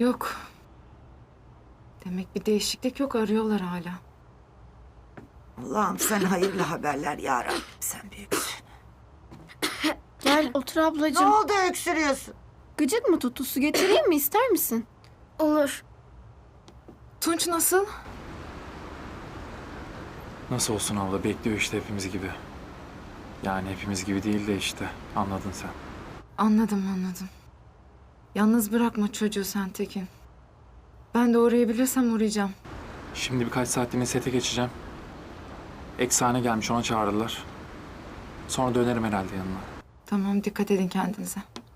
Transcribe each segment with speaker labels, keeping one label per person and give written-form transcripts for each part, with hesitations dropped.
Speaker 1: Yok. Demek bir değişiklik yok, arıyorlar hala.
Speaker 2: Allah'ım sen hayırlı haberler ya Rabbim, sen büyüksün.
Speaker 3: Gel otur
Speaker 2: Ne
Speaker 3: ablacığım.
Speaker 2: oldu öksürüyorsun?
Speaker 3: Gıcık mı tuttu? Su getireyim mi? İster misin? Olur.
Speaker 1: Tunç nasıl?
Speaker 4: Nasıl olsun abla, bekliyor işte hepimiz gibi. Yani hepimiz gibi değil de işte, anladın sen.
Speaker 1: Anladım. Yalnız bırakma çocuğu sen Tekin. Ben de uğrayabilirsem uğrayacağım.
Speaker 4: Şimdi birkaç saatliğine sete geçeceğim. Eksane gelmiş, ona çağırırlar. Sonra dönerim herhalde yanına.
Speaker 1: Tamam, dikkat edin kendinize.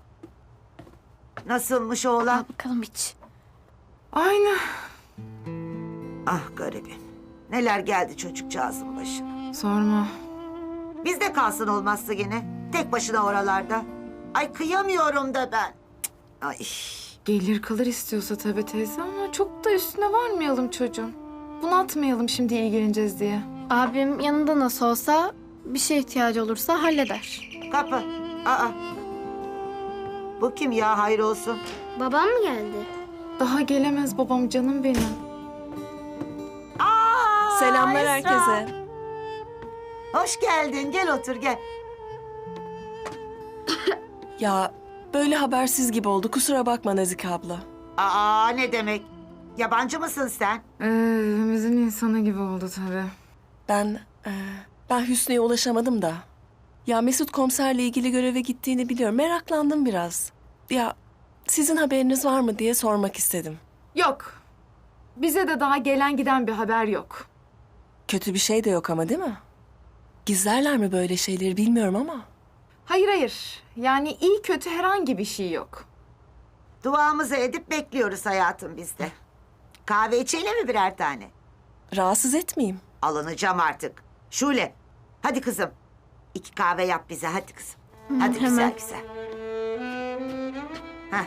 Speaker 2: Nasılmış oğlan?
Speaker 3: Al bakalım iç.
Speaker 1: Aynı.
Speaker 2: Ah garibim. Neler geldi çocukcağızın başına.
Speaker 1: Sorma.
Speaker 2: Bizde kalsın olmazsa gene. Tek başına oralarda. Ay kıyamıyorum da ben. Cık, ay.
Speaker 1: Gelir kalır istiyorsa tabii teyze ama çok da üstüne varmayalım çocuğun. Bunaltmayalım şimdi ilgileneceğiz diye.
Speaker 3: Abim yanında nasıl olsa bir şeye ihtiyacı olursa halleder.
Speaker 2: Kapı. Aa. Bu kim ya, hayır olsun.
Speaker 3: Babam mı geldi?
Speaker 1: Daha gelemez babam, canım benim.
Speaker 2: Aa,
Speaker 5: Selamlar
Speaker 2: Esra.
Speaker 5: herkese.
Speaker 2: Hoş geldin, gel otur gel.
Speaker 5: Ya böyle habersiz gibi oldu. Kusura bakma Nazike abla.
Speaker 2: Aa, ne demek? Yabancı mısın sen?
Speaker 1: Evimizin insanı gibi oldu tabii.
Speaker 5: Ben Hüsnü'ye ulaşamadım da. Ya Mesut komiserle ilgili göreve gittiğini biliyorum. Meraklandım biraz. Ya sizin haberiniz var mı diye sormak istedim.
Speaker 1: Yok. Bize de daha gelen giden bir haber yok.
Speaker 5: Kötü bir şey de yok ama değil mi? Gizlerler mi böyle şeyleri bilmiyorum ama.
Speaker 1: Hayır. Yani iyi kötü herhangi bir şey yok.
Speaker 2: Duamızı edip bekliyoruz hayatım biz de. Kahve içelim mi birer tane?
Speaker 5: Rahatsız etmeyeyim.
Speaker 2: Alınacağım artık. Şule, hadi kızım. 2 kahve yap bize, hadi kızım. Hadi
Speaker 3: hemen.
Speaker 2: güzel. Heh.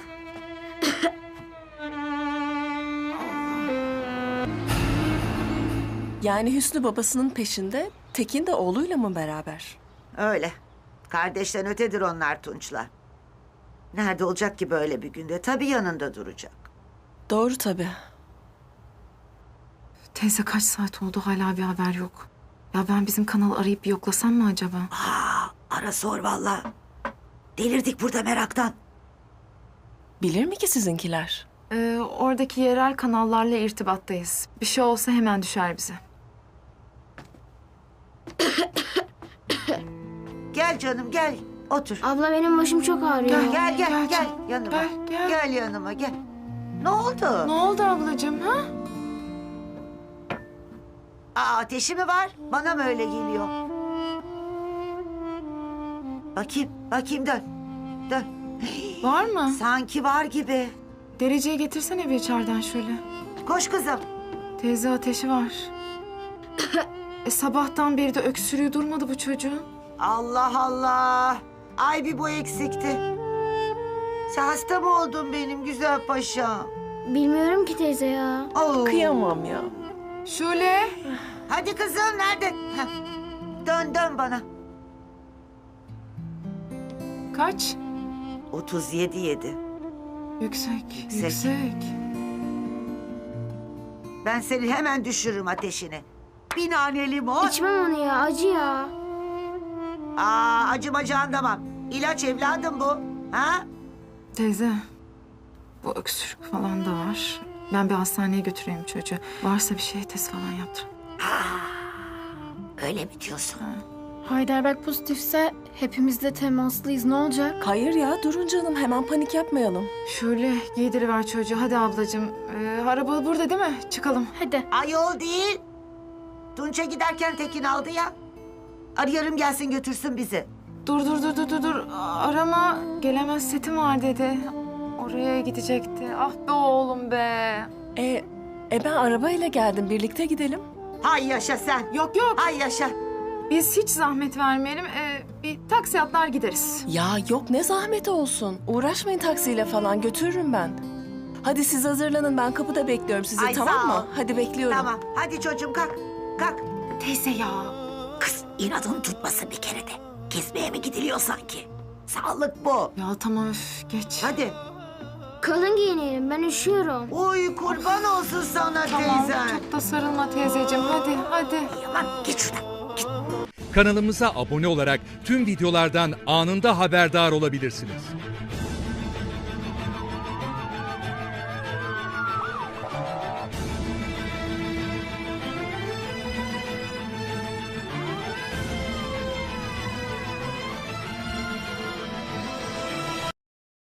Speaker 5: Yani Hüsnü babasının peşinde, Tekin de oğluyla mı beraber?
Speaker 2: Öyle. Kardeşten ötedir onlar Tunç'la. Nerede olacak ki böyle bir günde? Tabii yanında duracak.
Speaker 5: Doğru tabii.
Speaker 1: Teyze kaç saat oldu hala bir haber yok. Ya ben bizim kanalı arayıp bir yoklasam mı acaba?
Speaker 2: Ara sor vallahi. Delirdik burada meraktan.
Speaker 5: Bilir mi ki sizinkiler?
Speaker 1: Oradaki yerel kanallarla irtibattayız. Bir şey olsa hemen düşer bize.
Speaker 2: Gel canım gel. Otur.
Speaker 3: Abla benim başım çok ağrıyor.
Speaker 2: Gel
Speaker 1: canım.
Speaker 2: yanıma.
Speaker 1: Gel.
Speaker 2: Gel yanıma gel. Ne oldu?
Speaker 1: Ne oldu ablacığım ha?
Speaker 2: Ateşi mi var? Bana mı öyle geliyor? Bakayım dön. Dön.
Speaker 1: Var mı?
Speaker 2: Sanki var gibi.
Speaker 1: Dereceyi getirsene bir içeriden şöyle.
Speaker 2: Koş kızım.
Speaker 1: Teyze ateşi var. Sabahtan beri de öksürüğü durmadı bu çocuğun.
Speaker 2: Allah Allah. Ay bir bu eksikti. Sen hasta mı oldun benim güzel paşam?
Speaker 3: Bilmiyorum ki teyze ya.
Speaker 2: Oo.
Speaker 5: Kıyamam ya.
Speaker 1: Şule.
Speaker 2: Hadi kızım nerede? Heh. Dön bana.
Speaker 1: Kaç?
Speaker 2: 37.
Speaker 1: Yüksek.
Speaker 2: Yüksek. Ben seni hemen düşürürüm ateşini. Bir nane limon.
Speaker 3: İçmem onu ya, acı ya.
Speaker 2: Acımacı anlamam. İlaç evladım bu. Ha?
Speaker 1: Teyze. Bu öksürük falan da var. Ben bir hastaneye götüreyim çocuğu. Varsa bir şey test falan yaptır.
Speaker 2: Öyle mi diyorsun?
Speaker 3: Heidelberg pozitifse hepimiz de temaslıyız. Ne olacak?
Speaker 5: Hayır ya durun canım hemen panik yapmayalım.
Speaker 1: Şöyle giydiriver çocuğu. Hadi ablacığım. Araba burada değil mi? Çıkalım.
Speaker 3: Hadi.
Speaker 2: Ayol değil. Tunç'a giderken Tekin aldı ya. Arıyorum gelsin götürsün bizi.
Speaker 1: Dur. Arama. Gelemez, setim var dedi. Oraya gidecekti. Ah be oğlum be.
Speaker 5: Ben arabayla geldim birlikte gidelim.
Speaker 2: Hay yaşa sen.
Speaker 1: Yok.
Speaker 2: Hay yaşa.
Speaker 1: Biz hiç zahmet vermeyelim. Bir taksi atlar gideriz.
Speaker 5: Ya yok ne zahmeti olsun. Uğraşmayın taksiyle falan götürürüm ben. Hadi siz hazırlanın ben kapıda bekliyorum sizi
Speaker 2: Ay,
Speaker 5: tamam
Speaker 2: sağ ol.
Speaker 5: mı? Hadi bekliyorum.
Speaker 2: Tamam. Hadi çocuğum kalk. Kalk.
Speaker 1: Teyze ya.
Speaker 2: Kız inadını tutmasın bir kere de. Kesmeye mi gidiliyor sanki? Sağlık bu.
Speaker 1: Ya tamam geç.
Speaker 2: Hadi.
Speaker 6: Kalın giyinelim, ben üşüyorum.
Speaker 2: Uy kurban olsun sana
Speaker 1: Tamam,
Speaker 2: teyzen.
Speaker 1: çok da sarılma teyzeciğim. Hadi, hadi.
Speaker 7: Kanalımıza abone olarak tüm videolardan anında haberdar olabilirsiniz.